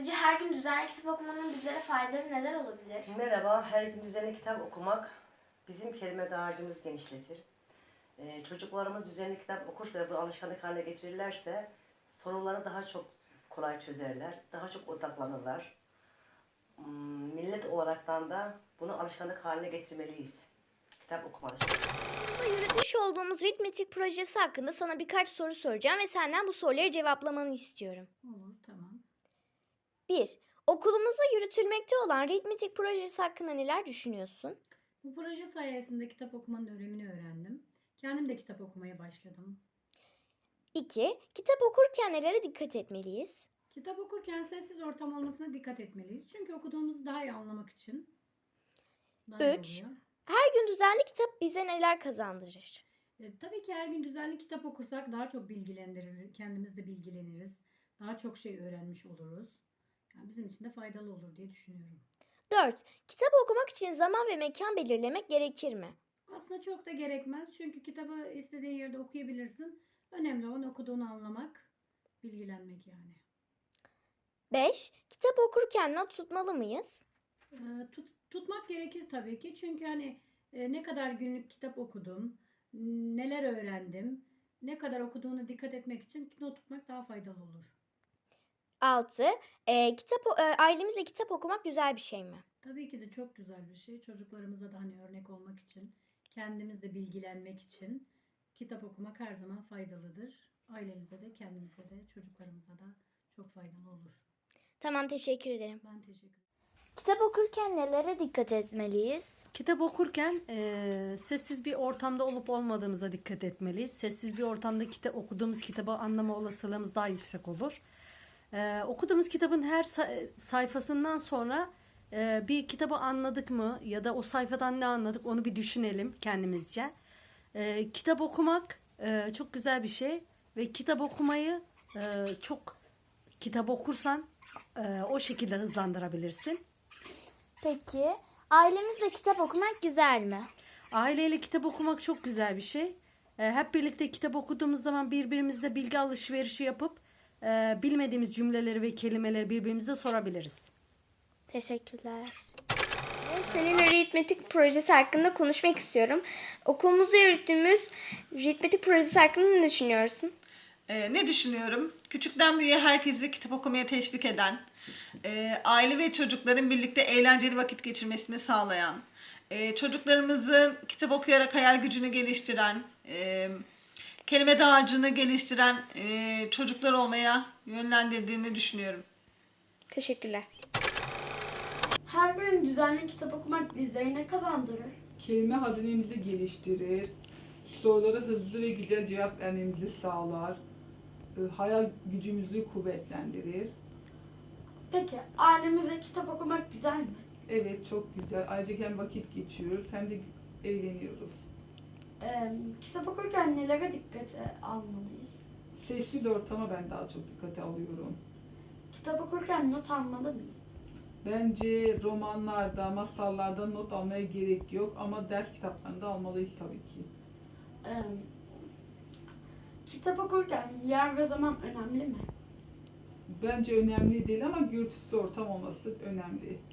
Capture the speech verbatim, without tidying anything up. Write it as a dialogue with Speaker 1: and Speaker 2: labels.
Speaker 1: Sizce her gün düzenli kitap okumanın bizlere faydaları neler olabilir?
Speaker 2: Merhaba, her gün düzenli kitap okumak bizim kelime dağarcığımızı genişletir. Ee, çocuklarımız düzenli kitap okursa ve bu alışkanlık haline getirirlerse soruları daha çok kolay çözerler, daha çok odaklanırlar. Hmm, millet olaraktan da bunu alışkanlık haline getirmeliyiz. Kitap okuma alışkanlığı.
Speaker 3: Yürütmüş olduğumuz Ritmetik projesi hakkında sana birkaç soru soracağım ve senden bu soruları cevaplamanı istiyorum.
Speaker 4: Olur, tamam.
Speaker 3: bir. Okulumuzda yürütülmekte olan Ritmetik projesi hakkında neler düşünüyorsun?
Speaker 4: Bu proje sayesinde kitap okumanın önemini öğrendim. Kendim de kitap okumaya başladım.
Speaker 3: iki. Kitap okurken nelere dikkat etmeliyiz?
Speaker 4: Kitap okurken sessiz ortam olmasına dikkat etmeliyiz. Çünkü okuduğumuzu daha iyi anlamak için daha iyi
Speaker 3: Üç.
Speaker 4: oluyor.
Speaker 3: Her gün düzenli kitap bize neler kazandırır?
Speaker 4: E, tabii ki her gün düzenli kitap okursak daha çok bilgilendirir, kendimiz de bilgileniriz. Daha çok şey öğrenmiş oluruz. Yani bizim için de faydalı olur diye düşünüyorum.
Speaker 3: dört. Kitap okumak için zaman ve mekan belirlemek gerekir mi?
Speaker 4: Aslında çok da gerekmez. Çünkü kitabı istediğin yerde okuyabilirsin. Önemli olan okuduğunu anlamak, bilgilenmek yani.
Speaker 3: beş. Kitap okurken not tutmalı mıyız?
Speaker 4: Ee, tut, tutmak gerekir tabii ki. Çünkü hani e, ne kadar günlük kitap okudum, neler öğrendim, ne kadar okuduğuna dikkat etmek için not tutmak daha faydalı olur.
Speaker 3: altı. E, kitap o- e, ailemizle kitap okumak güzel bir şey mi?
Speaker 4: Tabii ki de çok güzel bir şey. Çocuklarımıza da hani örnek olmak için, kendimiz de bilgilenmek için kitap okumak her zaman faydalıdır. Ailemize de, kendimize de, çocuklarımıza da çok faydalı olur.
Speaker 3: Tamam, teşekkür ederim.
Speaker 4: Ben teşekkür ederim.
Speaker 3: Kitap okurken nelere dikkat etmeliyiz?
Speaker 5: Kitap okurken e, sessiz bir ortamda olup olmadığımıza dikkat etmeliyiz. Sessiz bir ortamda kitap okuduğumuz kitabı anlama olasılığımız daha yüksek olur. E, okuduğumuz kitabın her sa- sayfasından sonra e, bir kitabı anladık mı ya da o sayfadan ne anladık onu bir düşünelim kendimizce. E, kitap okumak e, çok güzel bir şey ve kitap okumayı e, çok kitap okursan e, o şekilde hızlandırabilirsin.
Speaker 3: Peki, ailemizle kitap okumak güzel mi?
Speaker 5: Aileyle kitap okumak çok güzel bir şey. Ee, hep birlikte kitap okuduğumuz zaman birbirimizle bilgi alışverişi yapıp e, bilmediğimiz cümleleri ve kelimeleri birbirimize sorabiliriz.
Speaker 3: Teşekkürler. Seninle Ritmetik projesi hakkında konuşmak istiyorum. Okulumuzda yürüttüğümüz Ritmetik projesi hakkında ne düşünüyorsun?
Speaker 6: Ee, ne düşünüyorum? Küçükten büyüğe herkesi kitap okumaya teşvik eden, e, aile ve çocukların birlikte eğlenceli vakit geçirmesini sağlayan, e, çocuklarımızın kitap okuyarak hayal gücünü geliştiren, e, kelime dağarcığını geliştiren e, çocuklar olmaya yönlendirdiğini düşünüyorum.
Speaker 3: Teşekkürler.
Speaker 1: Her gün düzenli kitap okumak bizlere ne kazandırır?
Speaker 7: Kelime hazinemizi geliştirir, sorulara hızlı ve güzel cevap vermemizi sağlar, e, hayal gücümüzü kuvvetlendirir.
Speaker 1: Peki ailemizle kitap okumak güzel mi?
Speaker 7: Evet, çok güzel. Ayrıca hem vakit geçiriyoruz hem de eğleniyoruz.
Speaker 1: Ee, kitap okurken nelere dikkate almalıyız?
Speaker 7: Sessiz ortama ben daha çok dikkate alıyorum.
Speaker 1: Kitap okurken not almalı mıyız?
Speaker 7: Bence romanlarda, masallarda not almaya gerek yok ama ders kitaplarında almalıyız tabii ki.
Speaker 1: Ee, kitap okurken yer ve zaman önemli mi?
Speaker 7: Bence önemli değil ama gürültüsüz ortam olması önemli.